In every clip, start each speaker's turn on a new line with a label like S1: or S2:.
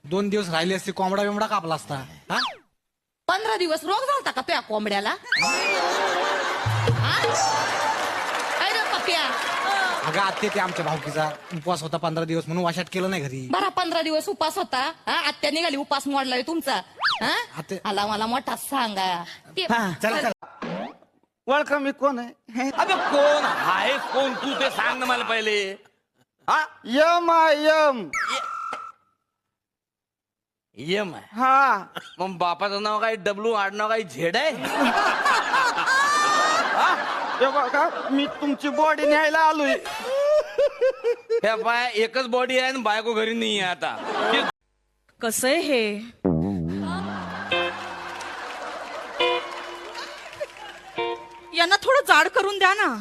S1: 2 दिवस राहिले असते कोंबडा बिमडा कापला असता. हा
S2: 15 दिवस रोग झालता का तुया कोंबड्याला? हा? काय रे पप्या?
S1: अगं आत्ते ते आमच्या भाऊकीचा उपवास होता 15 दिवस म्हणून वाशाट केलं नाही घरी.
S2: बरा 15 दिवस उपास होता. हा आत्या निघाली उपास मोडलाय तुमचा. हा
S1: आत्या-
S2: आला मला मोठा सांगा.
S1: चला चला.
S3: ओळखा मी कोण आहे?
S4: अबे कोण आहे कोण तू ते सांग ना मला पहिले. हा
S3: यम यम.
S4: यम आहे.
S3: हा
S4: मग बापाचं नाव काय डब्ल्यू आडनाव काय झेड आहे?
S3: हे बघा मी तुमची बॉडी न्यायला आलोय.
S4: हे बाय एकच बॉडी आहे आणि बायको घरी नाही आहे आता.
S5: कसं आहे हे? यांना थोडं जाड करून द्या ना.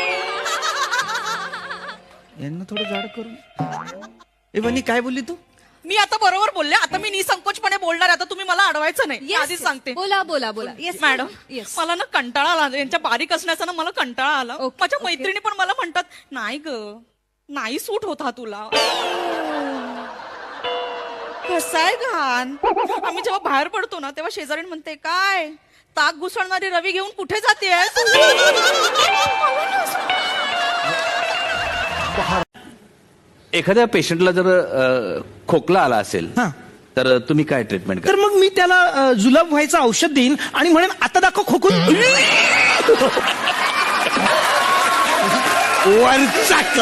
S3: यांना थोडं जाड करून. ए बनी काय बोलली तू?
S5: मी आता बरोबर बोलले. आता मी निसंकोचपणे बोलणार. आता तुम्ही मला अडवायचं नाही. आधीच सांगते.
S6: बोला बोला बोला. Yes
S5: madam
S6: yes.
S5: मला ना कंटाळा आला. यांच्या बारीक असण्याचा ना मला कंटाळा आला. माझ्या मैत्रिणी पण मला म्हणतात नाही ग नाही सूट होता तुला. कसं आहे घाण. आम्ही जेव्हा बाहेर पडतो ना तेव्हा शेजारी म्हणते काय ताक घुसळणारी रवी घेऊन कुठे जाते?
S4: एखाद्या पेशंटला जर खोकला आला असेल तर तुम्ही काय ट्रीटमेंट
S7: तर मग मी त्याला जुलाब व्हायचं औषध देईन आणि म्हणेन आता दाखव खोकून. वरचा